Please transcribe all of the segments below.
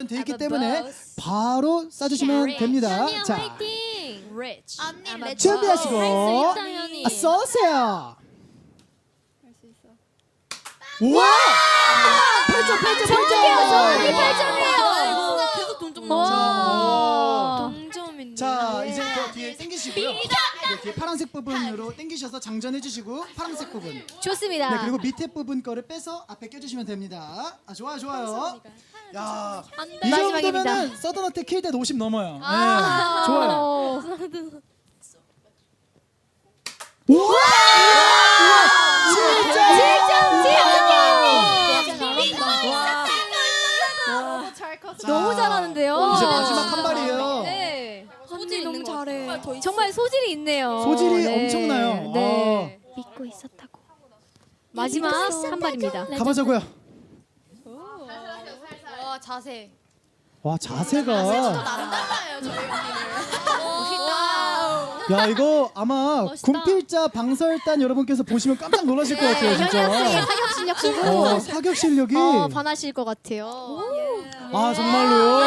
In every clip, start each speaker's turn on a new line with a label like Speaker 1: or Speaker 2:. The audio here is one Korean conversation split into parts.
Speaker 1: 돼 있기 때문에 바로 쏴주시면 됩니다. 자,
Speaker 2: Rich.
Speaker 1: 준비하시고 쏘세요. 우와! 8점.
Speaker 2: 계속 동점
Speaker 1: 자,
Speaker 2: 동점인데.
Speaker 1: 자, 이제 그 뒤에 당기시고요. 네, 뒤에 파란색 부분으로 당기셔서 장전해 주시고 파란색 부분.
Speaker 3: 좋습니다.
Speaker 1: 네, 그리고 밑에 부분 거를 빼서 앞에 껴주시면 됩니다. 아, 좋아요. 야, 이
Speaker 3: 마지막입니다.
Speaker 1: 정도면은 서든어택 킬대 50 넘어요. 네, 좋아요. 우와!
Speaker 3: 너무 잘하는데요.
Speaker 1: 이제 마지막 한 발이에요.
Speaker 3: 네.
Speaker 2: 소질 너무 잘해.
Speaker 3: 정말 소질이 있네요.
Speaker 1: 소질이
Speaker 3: 네.
Speaker 1: 엄청나요.
Speaker 3: 네.
Speaker 4: 믿고 있었다고.
Speaker 3: 마지막 한 발입니다.
Speaker 1: 가보자고요.
Speaker 2: 와 자세.
Speaker 1: 와, 자세가.
Speaker 2: 남달라요 저희 멋있다.
Speaker 1: 야, 이거 아마 군필자 방설단 여러분께서 보시면 깜짝 놀라실 것 같아요, 진짜.
Speaker 3: 현역 사격 실력 보고
Speaker 1: 사격 실력이.
Speaker 3: 반하실 것 같아요.
Speaker 1: 아, 정말로요.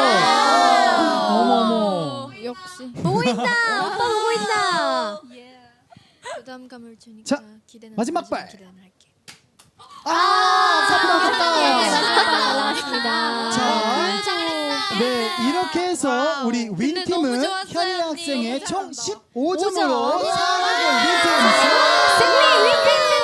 Speaker 1: 어머머.
Speaker 2: 역시.
Speaker 3: 보고 있다. 오빠 보고 있다.
Speaker 2: 부담감을 주니까
Speaker 1: 자,
Speaker 2: 기대는
Speaker 1: 마지막
Speaker 2: 하지만
Speaker 1: 발.
Speaker 2: 기대는 할게.
Speaker 1: 사고
Speaker 3: 날라갔습니다.
Speaker 1: 자, 네, 이렇게 해서 우리
Speaker 2: 근데 너무
Speaker 1: 윈팀은
Speaker 2: 좋았어요,
Speaker 1: 현희
Speaker 2: 언니.
Speaker 1: 학생의
Speaker 2: 너무
Speaker 1: 총
Speaker 2: 잘한다.
Speaker 1: 15점으로 4강을 윈팀.
Speaker 3: 승리 윈팀